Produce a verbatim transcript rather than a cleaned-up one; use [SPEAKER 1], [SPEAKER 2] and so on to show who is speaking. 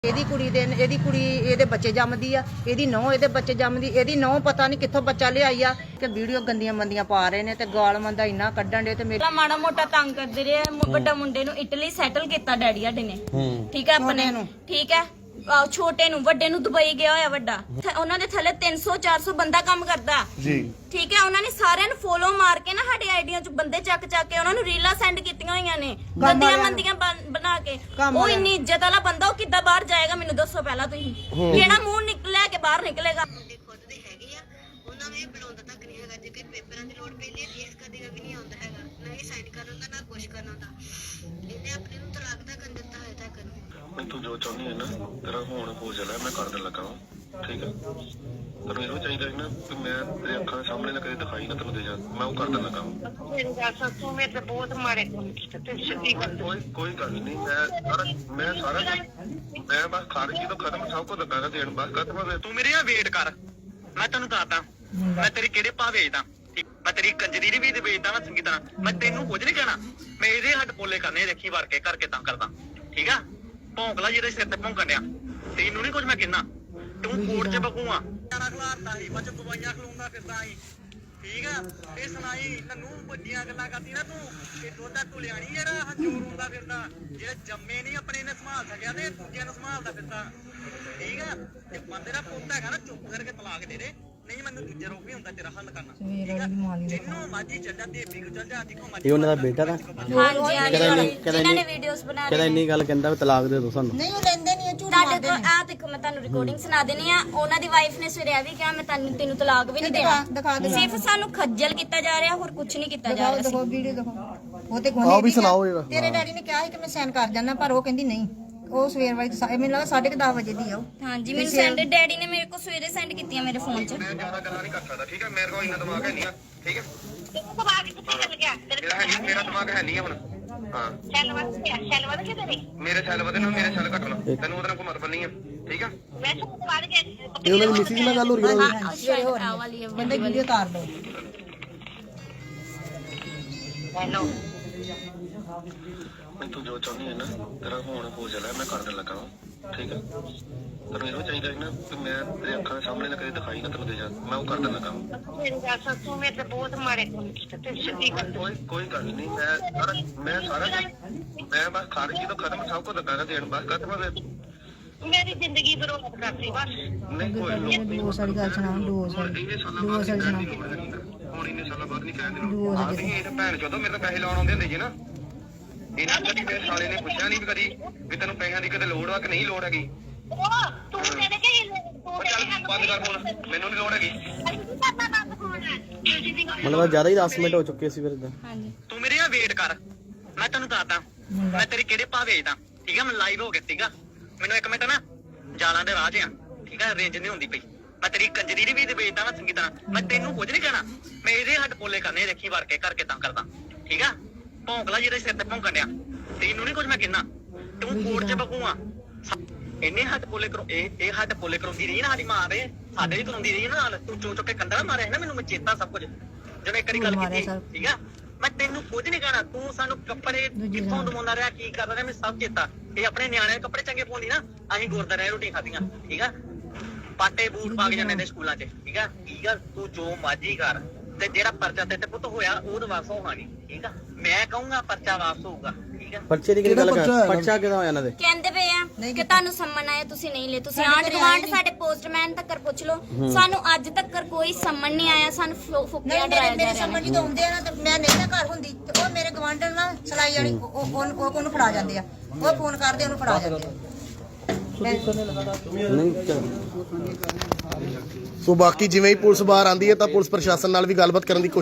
[SPEAKER 1] ਇਹਦੀ ਕੁੜੀ ਦੇ ਇਹਦੀ ਕੁੜੀ ਇਹਦੇ ਬੱਚੇ ਜੰਮਦੀ ਆ, ਇਹਦੀ ਨੌਂ ਇਹਦੇ ਬੱਚੇ ਜੰਮਦੀ, ਇਹਦੀ ਨੌਂ ਪਤਾ ਨਹੀਂ ਕਿੱਥੋਂ ਬੱਚਾ ਲਿਆਈ ਆ ਕਿ ਵੀਡੀਓ ਗੰਦੀਆਂ ਮੰਦੀਆਂ ਪਾ ਰਹੇ ਨੇ ਤੇ ਗਾਲ ਮੰਦਾ ਇੰਨਾ ਕੱਢਣ ਦੇ ਤੇ ਮੇਰਾ
[SPEAKER 2] ਮਾੜਾ ਮੋਟਾ ਤੰਗ ਕਰਦੇ ਰਹੇ। ਵੱਡਾ ਮੁੰਡੇ ਨੂੰ ਇਟਲੀ ਸੈਟਲ ਕੀਤਾ ਡੈਡੀ ਸਾਡੇ ਨੇ, ਠੀਕ ਹੈ ਆਪਣੇ ਨੂੰ, ਠੀਕ ਹੈ। ਛੋਟੇ ਨੂੰ, ਵੱਡੇ ਨੂੰ ਦੁਬਈ ਗਿਆ ਹੋਇਆ ਵੱਡਾ, ਉਹਨਾਂ ਦੇ ਥੱਲੇ ਤਿੰਨ ਸੌ ਚਾਰ ਸੌ ਬੰਦਾ ਕੰਮ ਕਰਦਾ ਜੀ, ਠੀਕ ਹੈ। ਉਹਨਾਂ ਨੇ ਸਾਰਿਆਂ ਨੂੰ ਫੋਲੋ ਮਾਰ ਕੇ ਨਾ ਸਾਡੇ ਆਈਡੀਆਂ ਚ ਬੰਦੇ ਚੱਕ ਚੱਕ ਕੇ ਉਹਨਾਂ ਨੂੰ ਰੀਲਾਂ ਸੈਂਡ ਕੀਤੀਆਂ ਹੋਈਆਂ ਨੇ ਗੰਦੀਆਂ ਮੰਦੀਆਂ ਬਣਾ ਕੇ। ਉਹ ਇੰਨੀ ਇੱਜ਼ਤ ਵਾਲਾ ਬੰਦਾ, ਉਹ ਕਿੱਦਾਂ ਬਾਹਰ ਜਾਏਗਾ ਮੈਨੂੰ ਦੱਸੋ ਪਹਿਲਾਂ ਤੁਸੀਂ। ਕਿਹੜਾ ਮੂੰਹ ਨਿਕਲਿਆ ਕੇ ਬਾਹਰ ਨਿਕਲੇਗਾ?
[SPEAKER 3] ਖੁਦ ਦੇ ਹੈਗੇ ਆ, ਉਹਨਾਂ ਨੂੰ ਇਹ ਬੁਲਾਉਂਦਾ ਤੱਕ ਨਹੀਂ ਹੈਗਾ। ਜੇ ਕੋਈ ਪੇਪਰਾਂ ਦੀ ਲੋੜ ਪੈਂਦੀ ਹੈ ਫੇਸ ਕਦੇ ਵੀ ਨਹੀਂ ਆਉਂਦਾ ਹੈਗਾ, ਨਾ ਇਹ ਸਾਈਡ ਕਰਨ ਦਾ ਨਾ ਕੁਛ ਕਰਨ ਦਾ। ਇਹਨੇ ਆਪਣੇ ਨੂੰ ਤਲਾਕ ਦਾ ਕਰ ਦਿੱਤਾ ਹੈ ਤੱਕ ਨੂੰ।
[SPEAKER 4] ਮੈਂ ਤੂੰ ਜੋ ਚਾਹੁੰਦੀ ਹੈ ਨਾ ਤੇਰਾ ਹੁਣ ਹੋ ਜਾਣਾ, ਮੈਂ ਕਰ ਦੇਣ ਲੱਗਾ ਵਾਂ, ਠੀਕ ਹੈ। ਤੈਨੂੰ ਇਹੋ ਚਾਹੀਦਾ ਹੈ ਨਾ ਕਿ ਮੈਂ ਤੇਰੇ ਅੱਖਾਂ ਦੇ ਸਾਹਮਣੇ ਨਾ ਕਦੇ ਦਿਖਾਈ ਨਾ ਤੈਨੂੰ ਦੇ ਜਾ, ਮੈਂ ਉਹ ਕਰ ਦੇਣ ਲੱਗਾ ਵਾਂ।
[SPEAKER 3] ਮੇਰੀ ਗੱਲ ਸੁਣ, ਤੂੰ ਮੇਰੇ ਤੇ ਬਹੁਤ ਮਾੜੇ ਕੰਮ ਕੀਤੇ ਤੇ ਸਿੱਧੀ ਗੱਲ।
[SPEAKER 4] ਕੋਈ ਕੋਈ ਗੱਲ ਨਹੀਂ, ਮੈਂ ਸਾਰਾ ਮੈਂ ਸਾਰਾ ਮੈਂ ਬਸ ਖਾਰਜੀ ਤੋਂ ਖਤਮ ਸਭ ਕੁਝ ਲੱਗਾ ਦੇਣ, ਬਸ ਖਤਮ ਹੋ ਗਿਆ।
[SPEAKER 5] ਤੂੰ ਮੇਰੇ ਨਾਲ ਵੇਟ ਕਰ, ਮੈਂ ਤੈਨੂੰ ਦੱਸਦਾ ਮੈਂ ਤੇਰੀ ਕਿਹੜੇ ਭਾਅ ਵੇਚਦਾ। ਮੈਂ ਤੇਰੀ ਕੰਜਰੀ ਦੀ ਵੀ ਵੇਚਦਾ ਨਾ ਚੰਗੀ ਤਰ੍ਹਾਂ। ਮੈਂ ਤੈਨੂੰ ਕੁਝ ਨਹੀਂ ਕਹਿਣਾ, ਮੈਂ ਇਹਦੇ ਹੱਥ ਪੋਲੇ ਕਰਨੇ ਦੇਖੀ ਵਰ ਕੇ ਕਰਕੇ ਤਾਂ ਕਰਦਾ, ਠੀਕ ਆ। ਭੌਂਕਲਾ ਜਿਹਦੇ ਸਿਰ ਤੇ ਭੌਂਕਣ ਡਿਆ, ਤੈਨੂੰ ਨਹੀਂ ਕੁਝ ਮੈਂ ਕਹਿਣਾ। ਤੂੰ ਕੋਰਟ 'ਚ ਬਗੂਆ ਖਲਾਰਦਾ ਸੀ, ਬੱਚ ਦਵਾਈਆਂ ਖਲਾਉਂਦਾ ਫਿਰਦਾ ਸੀ, ਠੀਕ ਆ। ਇਹ ਸੁਣਾਈ ਤੈਨੂੰ ਵੱਡੀਆਂ ਗੱਲਾਂ ਕਰਦੀ ਨਾ ਤੂੰ, ਇਹ ਦੋਦਾ ਤੁਲਿਆਣੀ ਜਿਹੜਾ ਹੰਝੂਰ ਹੁੰਦਾ ਫਿਰਦਾ, ਜਿਹੜੇ ਜੰਮੇ ਨਹੀਂ ਆਪਣੇ ਨੇ ਸੰਭਾਲ ਸਕਿਆ ਤੇ ਦੂਜਿਆਂ ਨੂੰ ਸੰਭਾਲਦਾ ਫਿਰਦਾ, ਠੀਕ ਆ। ਤੇ ਬੰਦੇ ਦਾ ਪੁੱਤ ਹੈਗਾ ਨਾ, ਚੁੱਪ ਕਰਕੇ ਤਲਾਕ ਦੇ ਦੇ, ਨਹੀਂ ਮੈਨੂੰ ਦੂਜੇ ਰੋਗ ਵੀ ਹੁੰਦਾ ਤੇਰਾ ਹੱਲ ਕਰਨਾ, ਠੀਕ ਆ। ਜਿੰਨੂੰ ਮਾਜੀ ਚੱਲ ਜਾ, ਦੇਵੀ ਕੋ ਚੱਲ ਜਾ, ਦੇਖੋ ਮਾਜੀ
[SPEAKER 6] ਇਹ ਉਹਨਾਂ ਦਾ ਬੇਟਾ ਦਾ
[SPEAKER 2] ਹਾਂਜੀ ਹਾਂਜੀ, ਜਿਨ੍ਹਾਂ ਨੇ ਵੀਡੀਓਜ਼ ਬਣਾ
[SPEAKER 6] ਕਹਿੰਦਾ ਇੰਨੀ ਗੱਲ ਕਹਿੰਦਾ ਵੀ ਤਲਾਕ ਦੇ ਦੋ ਸਾਨੂੰ।
[SPEAKER 1] ਨਹੀਂ ਉਹ ਲੈਂਦੇ ਨਹੀਂ, ਝੂਠ
[SPEAKER 2] ਤੁਹਾਡੇ
[SPEAKER 1] ਮਾਰਦੇ
[SPEAKER 2] ਕੋਲ
[SPEAKER 1] ਨੇ।
[SPEAKER 2] ਆ ਦੇਖੋ, ਮੈਂ ਤੁਹਾਨੂੰ ਰਿਕਾਰਡਿੰਗ ਸੁਣਾ ਦੇਣੀ ਆ। ਉਹਨਾਂ ਦੀ ਵਾਈਫ ਨੇ ਸਵੇਰੇ ਆ ਵੀ ਕਿਹਾ ਮੈਂ ਤੈਨੂੰ ਤੈਨੂੰ ਤਲਾਕ ਵੀ ਨਹੀਂ
[SPEAKER 1] ਦਿਖਾ- ਦਿਖਾ
[SPEAKER 2] ਦੇਣਾ,
[SPEAKER 1] ਦਿਖਾ।
[SPEAKER 2] ਸਿਰਫ ਸਾਨੂੰ ਖੱਜਲ ਕੀਤਾ ਜਾ ਰਿਹਾ, ਹੋਰ ਕੁਝ ਨਹੀਂ ਕੀਤਾ ਜਾ
[SPEAKER 1] ਦਿਖਾਓ
[SPEAKER 2] ਰਿਹਾ।
[SPEAKER 1] ਦਿਖਾਓ ਵੀਡੀਓ ਦਿਖਾਓ। ਉਹ ਤੇ ਗੋਨੇ
[SPEAKER 6] ਆਓ ਵੀ ਸੁਣਾਓ ਇਹਦਾ।
[SPEAKER 1] ਤੇਰੇ ਡੈਡੀ ਨੇ ਕਿਹਾ ਸੀ ਕਿ ਮੈਂ ਸਾਈਨ ਕਰ ਜਾਣਾ, ਪਰ ਉਹ ਕਹਿੰਦੀ ਨਹੀਂ। ਉਹ ਸਵੇਰ ਵਾਲੀ ਮੈਨੂੰ ਲੱਗਾ ਸਾਢੇ ਕੁ ਦਸ ਵਜੇ ਦੀ ਆ ਉਹ।
[SPEAKER 2] ਹਾਂਜੀ, ਮੈਨੂੰ ਸੈਂਡ ਡੈਡੀ ਨੇ ਮੇਰੇ ਕੋਲ ਸਵੇਰੇ ਸੈਂਡ ਕੀਤੀਆਂ ਮੇਰੇ ਫੋਨ 'ਚ।
[SPEAKER 4] ਮੈਂ ਜ਼ਿਆਦਾ ਗੱਲਾਂ ਨਹੀਂ ਕਰ ਸਕਦਾ, ਠੀਕ ਹੈ। ਮੇਰੇ ਕੋਲ ਇੰਨਾ ਦਿਮਾਗ ਹੈ ਨਹੀਂ ਆ, ਠੀਕ ਹੈ।
[SPEAKER 3] ਤੈਨੂੰ ਦਿਮਾਗ ਕਿੱਥੇ ਚੱਲ ਗਿਆ?
[SPEAKER 4] ਮੇਰਾ ਹੈ ਨਹੀਂ, ਮੇਰਾ ਦਿਮਾਗ ਹੈ ਨਹੀਂ ਆ ਹੁਣ। ਹਾਂ,
[SPEAKER 3] ਸੈੱਲ ਵੱਧ ਗਿਆ, ਸੈੱਲ ਵੱਧ ਗਿਆ ਤੇਰੇ।
[SPEAKER 4] ਮੇਰੇ ਸੈੱਲ ਵਧੇ ਨਾ ਮੇਰੇ ਸੈੱਲ ਘਟਣਾ, ਤੈਨੂੰ ਉਹਦੇ ਨਾਲ ਕੋਈ ਮਤਲਬ ਨਹੀਂ ਆ, ਠੀਕ ਆ।
[SPEAKER 3] ਮੈਂ ਸਭ ਵੱਧ ਗਿਆ।
[SPEAKER 6] ਇਹ ਉਹਨਾਂ ਦੀ ਮਿਸਿਸ ਨਾਲ ਗੱਲ ਹੋ ਰਹੀ ਹੈ।
[SPEAKER 2] ਹਾਂ, ਸ਼ਾਇਦ ਆ ਵਾਲੀ ਹੈ,
[SPEAKER 1] ਕਹਿੰਦੇ ਵੀਡੀਓ ਤਾਰ ਦੋ।
[SPEAKER 3] ਹੈਲੋ,
[SPEAKER 4] ਮੈਂ ਤੂੰ ਜੋ ਚਾਹੁੰਦੀ ਹੈ ਨਾ ਤੇਰਾ ਹੁਣ ਹੋ ਜਾਣਾ, ਮੈਂ ਕਰ ਦੇਣ ਲੱਗਾ ਵਾਂ, ਠੀਕ ਹੈ। ਤੈਨੂੰ ਇਹੋ ਚਾਹੀਦਾ ਹੈ ਨਾ ਕਿ ਮੈਂ ਤੇਰੇ ਅੱਖਾਂ ਦੇ ਸਾਹਮਣੇ ਨਾ ਕਦੇ ਦਿਖਾਈ ਨਾ ਤੈਨੂੰ ਦੇ ਜਾ, ਮੈਂ ਉਹ ਕਰ ਦੇਣ ਲੱਗਾ ਵਾਂ।
[SPEAKER 3] ਮੇਰੀ ਗੱਲ ਸੁਣ, ਤੂੰ ਮੇਰੇ ਤੇ ਬਹੁਤ ਮਾੜੇ ਕੰਮ ਕੀਤੇ ਤੇ ਸਿੱਧੀ ਗੱਲ।
[SPEAKER 4] ਕੋਈ ਕੋਈ ਗੱਲ ਨਹੀਂ, ਮੈਂ ਸਾਰਾ ਮੈਂ ਸਾਰਾ ਮੈਂ ਬਸ ਖਾਰਜੀ ਤੋਂ ਖਤਮ ਸਭ ਕੁਝ ਲੱਗਾ ਦੇਣ, ਬਸ ਖਤਮ ਹੋ ਗਿਆ।
[SPEAKER 3] ਮੇਰੀ ਜ਼ਿੰਦਗੀ ਬਰਬਾਦ ਕਰਤੀ ਬਸ।
[SPEAKER 4] ਨਹੀਂ ਕੋਈ ਲੋੜ
[SPEAKER 1] ਡੋਸ ਵਾਲੀ ਗੱਲ ਸੁਣਾਓ, ਡੋਸ ਵਾਲੀ।
[SPEAKER 4] ਇੰਨੇ ਸਾਲਾਂ ਬਾਅਦ ਨਹੀਂ ਕਹਿਣ ਦੀ ਲੋੜ ਹੈਗੀ ਨਾ, ਹੁਣ ਇੰਨੇ ਸਾਲਾਂ ਬਾਅਦ ਨਹੀਂ ਕਹਿਣ ਦੀ ਲੋੜ। ਆਹ ਨਹੀਂ, ਇਹ ਤਾਂ ਭੈਣ ਚੋਦੋ ਮੇਰੇ ਤਾਂ ਪੈਸੇ ਲਾਉਣ ਆਉਂਦੇ ਹੁੰਦੇ ਸੀ ਨਾ, ਇਹਨਾਂ ਕਦੀ ਮੇਰੇ ਸਾਲੇ ਨੇ ਪੁੱਛਿਆ ਨਹੀਂ ਵੀ ਕਦੀ ਵੀ ਤੈਨੂੰ ਪੈਸਿਆਂ ਦੀ ਕਦੇ ਲੋੜ ਆ ਕਿ ਨਹੀਂ ਲੋੜ ਹੈਗੀ।
[SPEAKER 3] ਉਹ ਤੂੰ ਮੇਰੇ ਕੇ
[SPEAKER 4] ਉਹ ਚੱਲ ਬੰਦ ਕਰ ਫੋਨ, ਮੈਨੂੰ ਨਹੀਂ ਲੋੜ ਹੈਗੀ।
[SPEAKER 6] ਮਤਲਬ ਜ਼ਿਆਦਾ ਹੀ ਦਸ ਮਿੰਟ ਹੋ ਚੁੱਕੇ ਸੀ ਫਿਰ ਇਦਾਂ।
[SPEAKER 2] ਹਾਂਜੀ।
[SPEAKER 5] ਤੂੰ ਮੇਰੇ ਨਾਲ ਵੇਟ ਕਰ, ਮੈਂ ਤੈਨੂੰ ਦੱਸਦਾ ਮੈਂ ਤੇਰੀ ਕਿਹੜੇ ਭਾਅ ਵੇਚਦਾ, ਠੀਕ ਆ। ਮੈਂ ਲਾਈਵ ਹੋ ਗਿਆ ਸੀਗਾ, ਮੈਨੂੰ ਇੱਕ ਮਿੰਟ ਨਾ ਜਾਲਾਂ ਦੇ ਰਾਹ 'ਚ ਆ, ਠੀਕ ਆ। ਰੇਂਜ ਨਹੀਂ ਹੁੰਦੀ ਪਈ, ਮੈਂ ਤੇਰੀ ਕੰਜਰੀ ਦੀ ਵੀ ਵੇਚਦਾ ਨਾ ਚੰਗੀ ਤਰ੍ਹਾਂ। ਮੈਂ ਤੈਨੂੰ ਕੁਝ ਨਹੀਂ ਕਹਿਣਾ, ਮੈਂ ਇਹਦੇ ਹੱਥ ਪੋਲੇ ਕਰਨੇ ਦੇਖੀ ਵਰ ਕੇ ਕਰਕੇ ਤਾਂ ਕਰਦਾ, ਠੀਕ ਆ। ਭੌਂਕਲਾ ਜਿਹਦੇ ਸਿਰ ਤੇ ਭੌਂਕਣ ਡਿਆ, ਤੈਨੂੰ ਨਹੀਂ ਕੁਝ ਮੈਂ ਕਹਿਣਾ। ਤੂੰ ਕੋਰਟ 'ਚ ਬਗੂਆ, ਇੰਨੇ ਹੱਥ ਪੋਲੇ ਕਰੋ, ਇਹ ਇਹ ਹੱਥ ਪੋਲੇ ਕਰਾਉਂਦੀ ਰਹੀ ਨਾ ਸਾਡੀ ਮਾਂ ਦੇ, ਸਾਡੇ ਵੀ ਕਰਾਉਂਦੀ ਰਹੀ ਨਾ ਨਾਲ। ਤੂੰ ਚੋ ਚੁੱਕ ਕੇ ਕੰਡਾ ਮਾਰਿਆ ਨਾ, ਮੈਨੂੰ ਮੈਂ ਚੇਤਾ ਸਭ ਕੁਝ ਜਦੋਂ ਇੱਕ ਵਾਰੀ ਗੱਲ ਕੀਤੀ, ਠੀਕ ਆ। ਮੈਂ ਤੈਨੂੰ ਕੁਝ ਨਹੀਂ ਕਹਿਣਾ, ਤੂੰ ਸਾਨੂੰ ਕੱਪੜੇ ਕਿੱਥੋਂ ਦਵਾਉਂਦਾ ਰਿਹਾ, ਕੀ ਕਰਦਾ ਰਿਹਾ, ਮੈਨੂੰ ਸਭ ਚੇਤਾ। ਇਹ ਆਪਣੇ ਨਿਆਣੇ ਕੱਪੜੇ ਚੰਗੇ ਪਾਉਂਦੀ ਨਾ, ਅਸੀਂ ਗੁਰਦੁਆਰੇ ਰੋਟੀ ਖਾਧੀਆਂ, ਠੀਕ ਆ। ਪਾਟੇ ਬੂਟ ਪਾ ਕੇ ਜਾਂਦੇ ਨੇ ਸਕੂਲਾਂ 'ਚ, ਠੀਕ ਆ। ਠੀਕ ਆ, ਤੂੰ ਜੋ ਮਰਜ਼ੀ ਕਰ, ਤੇ ਜਿਹੜਾ ਪਰਚਾ ਤੇ ਪੁੱਤ ਹੋਇਆ ਉਹ ਵਾਪਸ ਹੋਵਾਂਗੇ, ਠੀਕ ਆ। ਮੈਂ ਕਹੂੰਗਾ ਪਰਚਾ ਵਾਪਸ ਹੋਊਗਾ, ਠੀਕ ਆ।
[SPEAKER 6] ਪਰਚੇ ਦੀ ਗੱਲ ਕਰ, ਪਰਚਾ ਕਿਹਦਾ ਹੋਇਆ ਇਹਨਾਂ ਦੇ?
[SPEAKER 2] ਕਹਿੰਦੇ ਪਏ ਆ ਕਿ ਤੁਹਾਨੂੰ ਸੰਮਨ ਆਇਆ, ਤੁਸੀਂ ਨਹੀਂ ਲੈ। ਤੁਸੀਂ ਆਂਡ ਗਵਾਂਡ ਸਾਡੇ ਪੋਸਟਮੈਨ ਤੱਕ ਪੁੱਛ ਲਓ, ਸਾਨੂੰ ਅੱਜ ਤੱਕ ਕੋਈ ਸੰਮਨ ਨਹੀਂ ਆਇਆ। ਸਾਨੂੰ ਫੁੱਕਿਆ ਡਰਾਇਆ ਜਾ
[SPEAKER 1] ਮੇਰੇ
[SPEAKER 2] ਰਿਹਾ।
[SPEAKER 1] ਸਮਝ ਜਦੋਂ ਆਉਂਦੇ ਆ ਨਾ ਤੇ ਮੈਂ ਨਹੀਂ ਨਾ ਘਰ ਹੁੰਦੀ ਤੇ ਉਹ ਮੇਰੇ ਗਵਾਂਢਣ ਨਾਲ ਸਲਾਈ ਵਾਲੀ ਉਹ ਉਹ ਉਹਨੂੰ ਫੜਾ ਜਾਂਦੇ ਆ, ਉਹ ਫੋਨ ਕਰਦੇ ਉਹਨੂੰ ਫੜਾ ਜਾਂਦੇ ਆ।
[SPEAKER 6] ਸੋ ਬਾਕੀ ਜਿਵੇਂ ਹੀ ਪੁਲਿਸ ਬਾਹਰ ਆਂਦੀ ਹੈ ਤਾਂ ਪੁਲਿਸ ਪ੍ਰਸ਼ਾਸਨ ਨਾਲ ਵੀ ਗੱਲਬਾਤ ਕਰਨ ਦੀ